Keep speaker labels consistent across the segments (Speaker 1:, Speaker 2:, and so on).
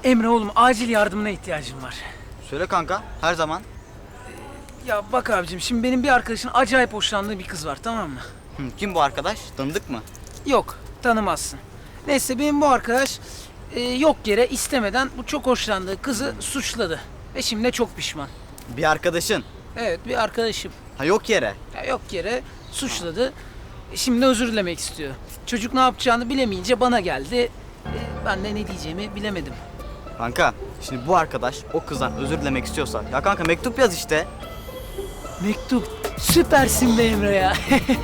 Speaker 1: Emre oğlum acil yardımına ihtiyacım var.
Speaker 2: Söyle kanka, her zaman.
Speaker 1: Ya bak abicim şimdi benim bir arkadaşın acayip hoşlandığı bir kız var, tamam mı?
Speaker 2: Kim bu arkadaş? Tanıdık mı?
Speaker 1: Yok, tanımazsın. Neyse benim bu arkadaş yok yere istemeden bu çok hoşlandığı kızı suçladı. Ve şimdi de çok pişman.
Speaker 2: Bir arkadaşın.
Speaker 1: Evet, bir arkadaşım.
Speaker 2: Ha, yok yere.
Speaker 1: Ya yok yere suçladı. Şimdi özür dilemek istiyor. Çocuk ne yapacağını bilemeyince bana geldi. Ben de ne diyeceğimi bilemedim.
Speaker 2: Kanka, şimdi bu arkadaş o kızdan özür dilemek istiyorsa, ya kanka mektup yaz işte.
Speaker 1: Mektup. Süpersin be Emre ya.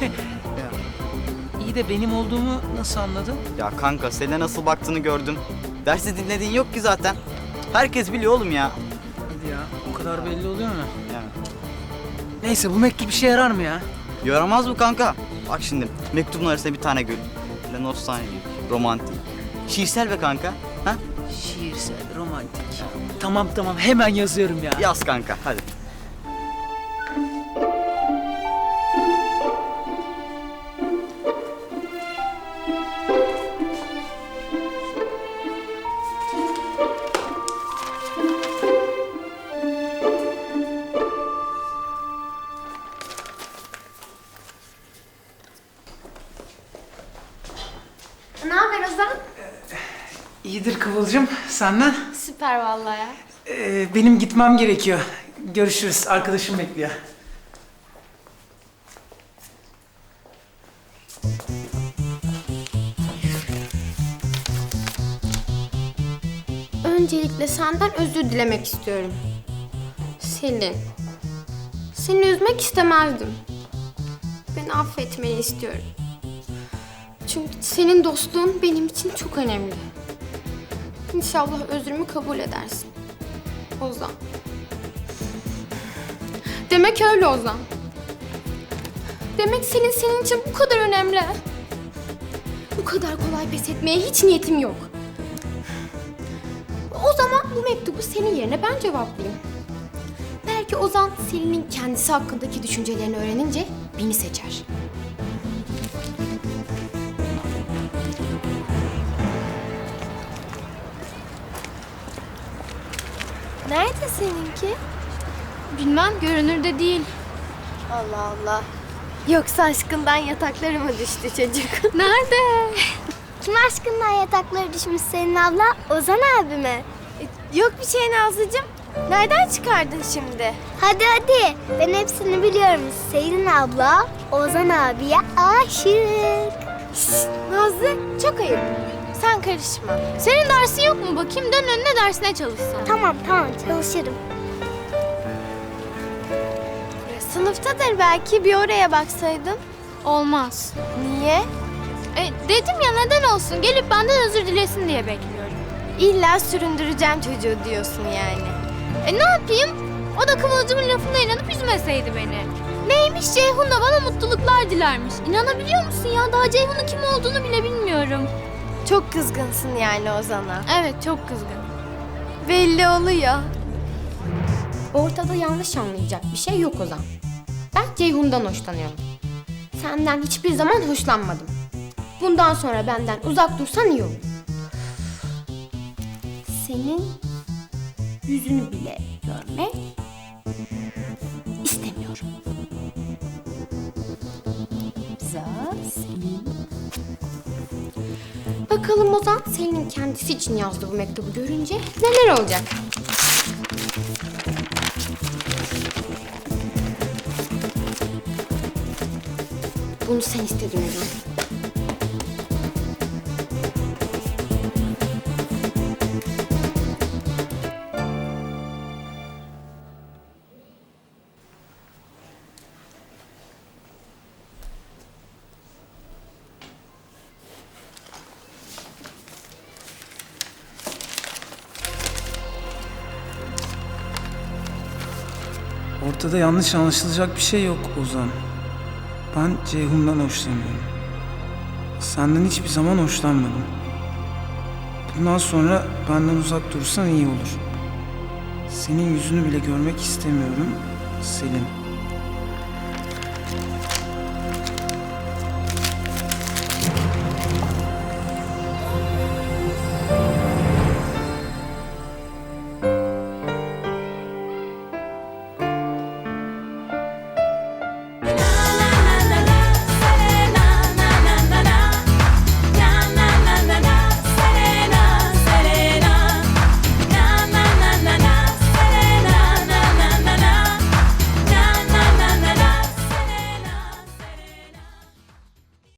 Speaker 1: İyi de benim olduğumu nasıl anladın?
Speaker 2: Ya kanka, seninle nasıl baktığını gördüm. Dersi dinlediğin yok ki zaten. Herkes biliyor oğlum ya.
Speaker 1: Hadi ya, o kadar belli oluyor mu?
Speaker 2: Yani.
Speaker 1: Neyse, bu mektup işe yarar mı ya?
Speaker 2: Yaramaz mı kanka? Bak şimdi, mektubun arasında bir tane gül. Böyle nostaljik, romantik. Şiirsel be kanka. Ha?
Speaker 1: Şiirsel, romantik. Tamam hemen yazıyorum ya.
Speaker 2: Yaz kanka, hadi.
Speaker 3: Ne haber Ozan?
Speaker 1: İyidir Kıvılcım, senden?
Speaker 3: Süper vallahi ya.
Speaker 1: Benim gitmem gerekiyor. Görüşürüz, arkadaşım bekliyor.
Speaker 3: Öncelikle senden özür dilemek istiyorum. Selin. Seni üzmek istemezdim. Beni affetmeni istiyorum. Çünkü senin dostluğun benim için çok önemli. İnşallah özrümü kabul edersin. Ozan. Demek öyle Ozan. Demek Selin senin için bu kadar önemli. Bu kadar kolay pes etmeye hiç niyetim yok. O zaman bu mektubu senin yerine ben cevaplayayım. Belki Ozan Selin'in kendisi hakkındaki düşüncelerini öğrenince beni seçer. Nerede seninki? Bilmem, görünürde değil. Allah Allah. Yoksa aşkından yatakları mı düştü çocuk? Nerede?
Speaker 4: Kim aşkından yatakları düşmüş senin abla? Ozan abi mi?
Speaker 3: Yok bir şey Nazlıcığım. Nereden çıkardın şimdi?
Speaker 4: Hadi. Ben hepsini biliyorum. Selin abla Ozan abiye aşık.
Speaker 3: Nazlı çok ayıp. Sen karışma. Senin dersin yok mu bakayım? Dön önüne dersine çalışsan.
Speaker 4: Tamam çalışırım.
Speaker 3: Sınıftadır belki, bir oraya baksaydın. Olmaz. Niye? Dedim ya, neden olsun? Gelip benden özür dilesin diye bekliyorum. İlla süründüreceğim çocuğu diyorsun yani. Ne yapayım? O da Kıvılcım'ın lafına inanıp üzmeseydi beni. Neymiş, Ceyhun da bana mutluluklar dilermiş. İnanabiliyor musun ya? Daha Ceyhun'un kim olduğunu bile bilmiyorum. Çok kızgınsın yani Ozan'a. Evet, çok kızgın. Belli oluyor.
Speaker 5: Ortada yanlış anlayacak bir şey yok Ozan. Ben Ceyhun'dan hoşlanıyorum. Senden hiçbir zaman hoşlanmadım. Bundan sonra benden uzak dursan iyi olur. Senin yüzünü bile görmek istemiyorum. Selin. Bakalım Ozan Selin'in kendisi için yazdığı bu mektubu görünce neler olacak? Bunu sen istedin Ozan.
Speaker 1: Ortada yanlış anlaşılacak bir şey yok Ozan. Ben Ceyhun'dan hoşlanıyorum. Senden hiçbir zaman hoşlanmadım. Bundan sonra benden uzak dursan iyi olur. Senin yüzünü bile görmek istemiyorum, Selin.